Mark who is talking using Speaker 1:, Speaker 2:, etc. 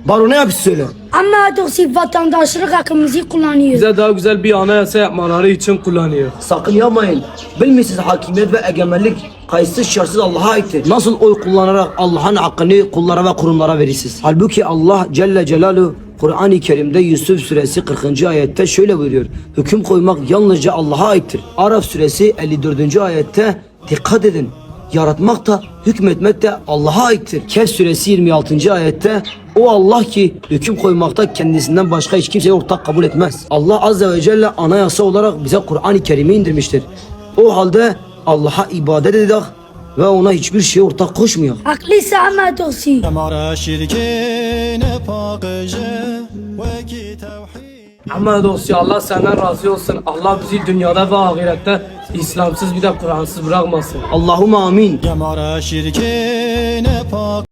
Speaker 1: Baro ne yapıyorsun söyle.
Speaker 2: Ama Doksi vatandaşlık hakkımızı kullanıyor.
Speaker 3: Bize daha güzel bir anayasa yapmaları için kullanıyor.
Speaker 1: Sakın yapmayın. Bilmişsiniz hakimiyet ve egemenlik kayıtsız şartsız Allah'a aittir. Nasıl oy kullanarak Allah'ın hakkını kullara ve kurumlara verirsiniz? Halbuki Allah Celle Celaluhu Kur'an-ı Kerim'de Yusuf suresi 40. ayette şöyle buyuruyor. Hüküm koymak yalnızca Allah'a aittir. Araf suresi 54. ayette dikkat edin. Yaratmak da hükmetmek de Allah'a aittir. Kehf suresi 26. ayette o Allah ki hüküm koymakta kendisinden başka hiç kimseye ortak kabul etmez. Allah azze ve celle anayasa olarak bize Kur'an-ı Kerim'i indirmiştir. O halde Allah'a ibadet edelim ve ona hiçbir şeye ortak koşmuyor.
Speaker 2: Haklıysa ama Doksi.
Speaker 3: Ama dosya Allah senden razı olsun. Allah bizi dünyada ve ahirette İslamsız bir de Kur'ansız bırakmasın.
Speaker 1: Allahümme amin.